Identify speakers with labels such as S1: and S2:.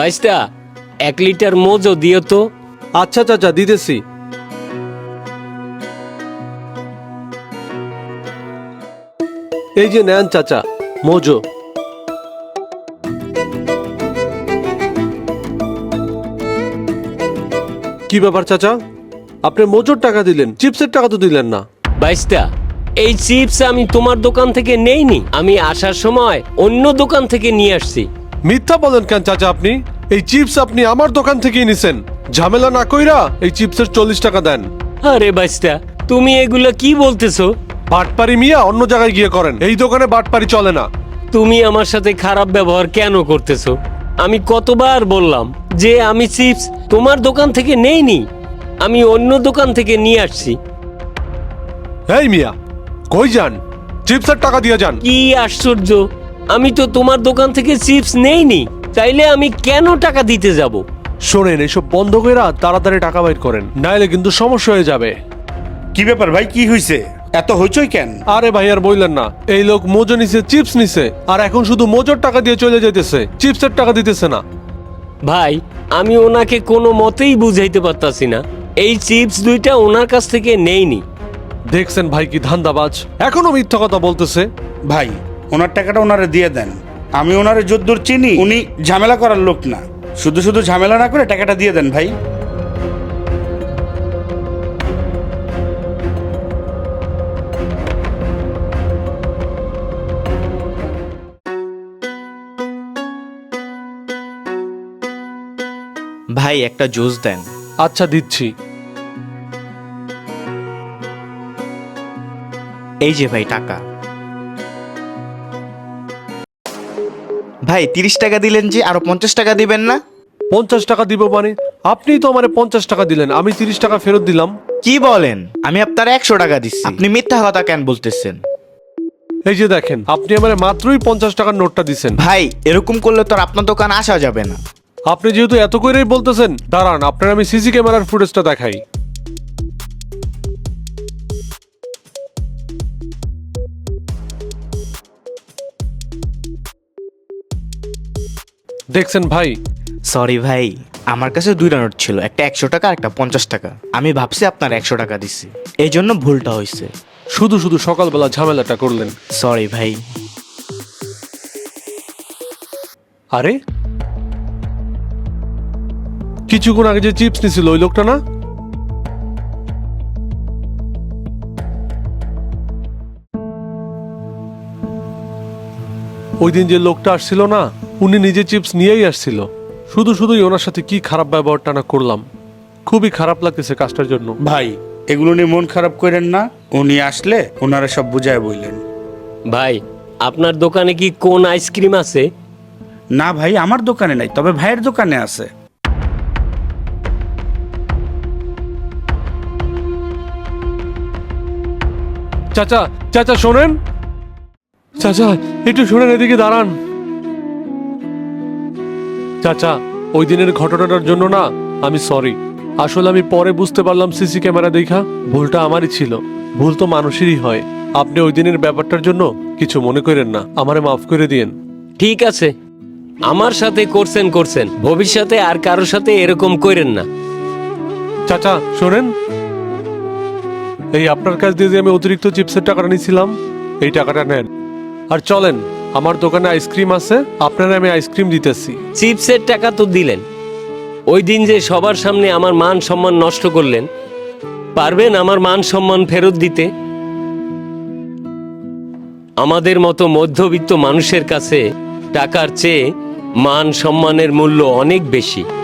S1: বাইশটা 1 litre Mojo দিও তো।
S2: আচ্ছা চাচা, দিতেছি। এই যে নেন চাচা, মোজো। কি ব্যাপার চাচা, আপনি মোজোর টাকা দিলেন, চিপসের টাকা তো দিলেন না।
S1: বাইশটা এই চিপস আমি তোমার দোকান থেকে নেইনি, আমি আসার সময় অন্য দোকান থেকে নিয়ে আসছি।
S2: মিথ্যা বলেন কেন চাচা আপনি? এই চিপস আপনি আমার দোকান থেকেই নিছেন। ঝামেলা না কইরা এই চিপসের 40 টাকা দেন।
S1: আরে বাইশটা, তুমি এগুলো কি বলতেছো?
S2: বাটপারি মিয়া অন্য জায়গায় গিয়ে করেন, এই দোকানে বাটপারি চলে না।
S1: তুমি আমার সাথে খারাপ ব্যবহার কেন করতেছো? আমি কতবার বললাম যে আমি চিপস তোমার দোকান থেকে নেইনি, আমি অন্য দোকান থেকে নিয়ে আসছি।
S2: এই মিয়া, কই যান? চিপসের টাকা দিয়ে যান।
S1: কি আশ্চর্য, আমি তো তোমার দোকান থেকে চিপস নেইনি, তাইলে আমি কেন টাকা দিতে যাব?
S2: শোনেন, এসব বন্ধ করে তাড়াতাড়ি টাকা বাইর করেন, নাইলে কিন্তু সমস্যা হয়ে যাবে।
S3: কি ব্যাপার ভাই, কি হয়েছে? এত হইচই কেন?
S2: আরে ভাই আর বললেন না, এই লোক মোজো নিছে, চিপস নিছে, আর এখন শুধু মোজোর টাকা দিয়ে চলে যাইতেছে, চিপসের টাকা দিতেছে না।
S1: ভাই, আমি ওনাকে কোনো মতেই বুঝাইতে পারতাছি না, এই চিপস দুইটা ওনার কাছ থেকে নেইনি।
S2: দেখছেন ভাই কি ধান্দাবাজ, এখনো মিথ্যা কথা বলতেছে।
S3: ভাই, ওনার টাকাটা ওনারে দিয়ে দেন। আমি ওনারে যদ্দূর চিনি, উনি ঝামেলা করার লোক না। শুধু শুধু ঝামেলা না করে টাকাটা দিয়ে দেন ভাই।
S4: ভাই একটা জুস দেন।
S2: আচ্ছা দিচ্ছি।
S4: এই যে ভাই টাকা। ভাই 30 টাকা দিলেন যে, আরো 50 টাকা দিবেন না?
S2: 50 টাকা দিব মানে? আপনিই তো আমারে 50 টাকা দিলেন, আমি 30 টাকা ফেরত দিলাম।
S4: কি বলেন? আমি আপনার 100 টাকা দিচ্ছি, আপনি মিথ্যা কথা কেন বলতেছেন?
S2: এই যে দেখেন, আপনি আমারে মাত্রই 50 টাকার নোটটা দিছেন।
S4: ভাই এরকম করলে তো আর আপনার দোকান আসা যাবে না।
S2: আপনি যেহেতু এত করেই বলতেছেন, দাঁড়ান আপনার আমি সিসি ক্যামেরার ফুটেজটা দেখাই। দেখছেন ভাই?
S4: সরি ভাই, আমার কাছে দুইটা নোট ছিল, একটা 100 টাকা আর একটা 50 টাকা। আমি ভাবছি আপনার 100 টাকা দিচ্ছি, এই জন্য ভুলটা হয়েছে।
S2: শুধু শুধু সকালবেলা ঝামেলাটা করলেন।
S4: সরি ভাই।
S2: আরে কিছুক্ষণ আগে যে চিপস নিছিল ওই লোকটা না? ওই দিন যে লোকটা আসছিল না, উনি নিজে চিপস নিয়েই আসছিল। শুধু শুধুই ওনার সাথে কি খারাপ ব্যবহারটা না করলাম, খুবই খারাপ লাগতেছে কাজটার জন্য।
S3: ভাই, এগুলো নিয়ে মন খারাপ করেন না। উনি আসলে ওনারা সব বুঝায় বললেন।
S1: ভাই, আপনার দোকানে কি কোন আইসক্রিম আছে?
S3: না ভাই, আমার দোকানে নাই, তবে ভাইয়ের দোকানে আছে।
S2: চাচা, চাচা শোনেন, চাচা একটু শোনেন, এদিকে দাঁড়ান। চাচা, ওই দিনের ঘটনাটার জন্য না আমি সরি। আসলে আমি পরে বুঝতে পারলাম সিসি ক্যামেরা দেখা, ভুলটা আমারই ছিল। ভুল তো মানুষেরই হয়। আপনি ওই দিনের ব্যাপারটার জন্য কিছু মনে করেন না, আমারে মাফ করে দিয়েন।
S1: ঠিক আছে, আমার সাথে করছেন, ভবিষ্যতে আর কারোর সাথে এরকম করেন না।
S2: চাচা শোনেন, এই আপনার কাছ দিয়ে যে আমি অতিরিক্ত চিপসের টাকাটা নিয়েছিলাম, এই টাকাটা নেন। আর চলেন, আমার দোকানে আইসক্রিম আছে, আপনারা আমি আইসক্রিম দিতেছি।
S1: চিপসের টাকা তো দিলেন, ওই দিন যে সবার সামনে আমার মান সম্মান নষ্ট করলেন, পারবেন আমার মান সম্মান ফেরত দিতে? আমাদের মতো মধ্যবিত্ত মানুষের কাছে টাকার চেয়ে মান সম্মানের মূল্য অনেক বেশি।